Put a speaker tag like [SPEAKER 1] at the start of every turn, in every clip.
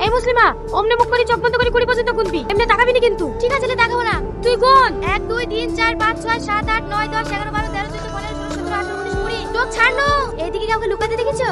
[SPEAKER 1] এই মুসলিমা, অমনে মুখ করে চোখ বন্ধ করে 20 পর্যন্ত গুনবি, এমনি তাকাবি না কিন্তু। ঠিক আছে, তাকাবো না, তুই গুন। 1 2 3 4 5 6 7 8 9 10 11 12 13 14 15 16 17 18 19 20। চোখ ছাড়নো। এইদিকে কাউকে লুকাতে দেখেছো?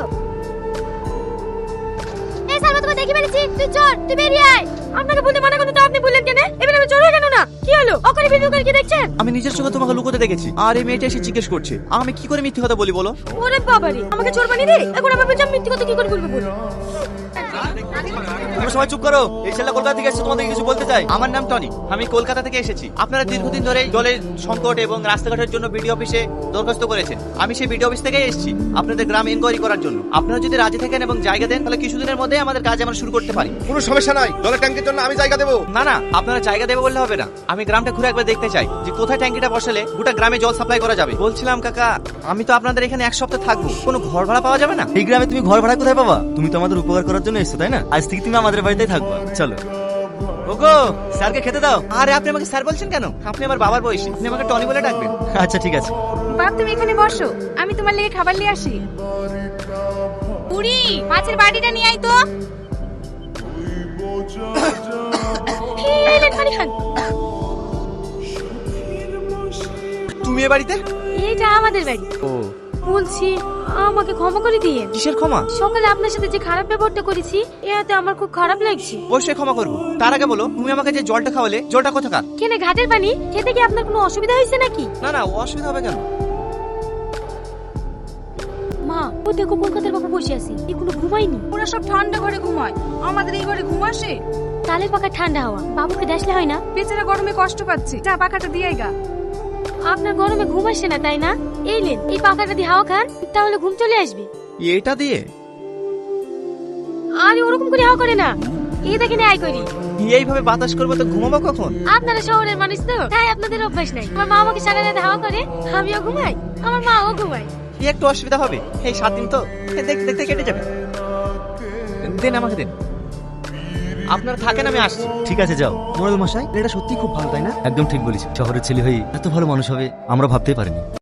[SPEAKER 1] এই সালমা, তোমাকে দেখি ফেলেছি, তুই চোর, তুই বেরিয়ে আয়। আপনাকে বলতে মানা করতে তো আপনি বললেন কেন? এবার আমি চোর হয়ে কেন না? কি হলো? ওখানে ভিডিও করে কি দেখছেন?
[SPEAKER 2] আমি নিজের চোখে তোমাকে লুকোতে দেখেছি, আর এই মেয়েটা এসে জিজ্ঞেস করছে আমি কি করে মিথ্যে কথা বলি বলো।
[SPEAKER 1] ওরে বাবারে, আমাকে চোর বানিয়ে দে। এখন আমার পেছনে মিথ্যে কথা কি করে বলবো বল?
[SPEAKER 2] তোমরা সবাই চুপ করো। এই ছেলেটা কলকাতা থেকে এসেছে, তোমাদেরকে কিছু বলতে চাই। আমার নাম টনি, আমি কলকাতা থেকে এসেছি। আপনারা দীর্ঘদিন ধরে জলের সংকট এবং রাস্তাঘাটের জন্য বিডিও অফিসে দরখাস্ত করেছেন। আমি সেই বিডিও অফিস থেকেই এসেছি আপনাদের গ্রাম এনকোয়ারি করার জন্য। আপনারা যদি রাজি থাকেন এবং জায়গা দেন, তাহলে কিছুদিনের মধ্যে আমাদের কাজ আমরা শুরু করতে পারি।
[SPEAKER 3] কোনো সমস্যা নাই, জলের ট্যাঙ্কের জন্য আমি জায়গা দেবো।
[SPEAKER 2] না না, আপনারা জায়গা দেবে বললে হবে না। আমি গ্রামটা ঘুরে একবার দেখতে চাই যে কোথায় ট্যাঙ্কিটা বসালে গোটা গ্রামে জল সাপ্লাই করা যাবে। বলছিলাম কাকা, আমি তো আপনাদের এখানে 1 সপ্তাহ থাকবো, কোনো ঘর ভাড়া পাওয়া যাবে না?
[SPEAKER 4] এই গ্রামে তুমি ঘর ভাড়া কোথায় পাবা? তুমি তো আমাদের উপকার করার জন্য এসেছো, তাই না? আজ থেকে তুমি আমাদের বাড়িতেই থাকবা। চলো ওগো, স্যারকে খেতে দাও।
[SPEAKER 2] আরে আপনি আমাকে স্যার বলছেন কেন? আপনি আমার বাবার বয়সী, আপনি আমাকে টনি বলে ডাকবেন।
[SPEAKER 4] আচ্ছা ঠিক আছে।
[SPEAKER 1] বাপ, তুমি এখানে বসো, আমি তোমার লেগে খাবার নিয়ে আসি। পুরি, মাছের বাটিটা নিয়ে আই তো। এই লেন, পানি খান।
[SPEAKER 2] তুমি এ বাড়িতে?
[SPEAKER 1] এইটা আমাদের বাড়ি।
[SPEAKER 2] ও,
[SPEAKER 1] বলছি, আমাকে ক্ষমা করে দিয়ে।
[SPEAKER 2] কিসের ক্ষমা?
[SPEAKER 1] সকালে আপনার সাথে যে খারাপ ব্যবহারটা করেছি, এতে আমার খুব খারাপ লাগছে।
[SPEAKER 2] অবশ্যই ক্ষমা করবো। তার আগে বলো, তুমি আমাকে যে জলটা খাওয়ালে, জলটা কোথাকার?
[SPEAKER 1] কেনে ঘাটের পানি? খেতে কি আপনার কোনো অসুবিধা হয়েছে নাকি?
[SPEAKER 2] না না, অসুবিধা হবে কেন?
[SPEAKER 1] মা, ও দেখো কলকাতার বাবু বসে আছে, এগুলো ঘুমায়নি।
[SPEAKER 5] ওরা সব ঠান্ডা ঘরে ঘুমায়, আমাদের এই ঘরে ঘুম আসে?
[SPEAKER 1] তালের পাকা ঠান্ডা হাওয়া বাবুকে দেখলে হয় না?
[SPEAKER 5] বেচারা গরমে কষ্ট পাচ্ছে, যা পাখাটা দিয়েই গা।
[SPEAKER 1] আপনার গরমে ঘুম আসে না তাই না? এই লেন, এই পাখাটা দিয়ে হাওয়া খান, তাহলে ঘুম চলে আসবে।
[SPEAKER 2] এটা দিয়ে?
[SPEAKER 1] আরে ওরকম করে হাওয়া করে না, এই দেখেন আই করি।
[SPEAKER 2] এইভাবে বাতাস করবো তো ঘুমাবো কখন?
[SPEAKER 1] আপনারা শহরের মানুষ তো, তাই আপনাদের অভ্যাস নাই। আমার মা আমাকে সারা রাত হাওয়া করে, আমিও ঘুমাই, আমার মাও ঘুমায়।
[SPEAKER 2] কি একটু অসুবিধা হবে? এই 7 দিন তো দেখতে দেখতে কেটে যাবে। দেন আমাকে দেন। আপনারা থাকেন, আমি আসছি।
[SPEAKER 4] ঠিক আছে যাও। মোরাল মশাই, এটা সত্যি খুব ভালো, তাই না? একদম ঠিক বলেছি। শহরের ছেলে হয়ে এত ভালো মানুষ হবে আমরা ভাবতেই পারিনি।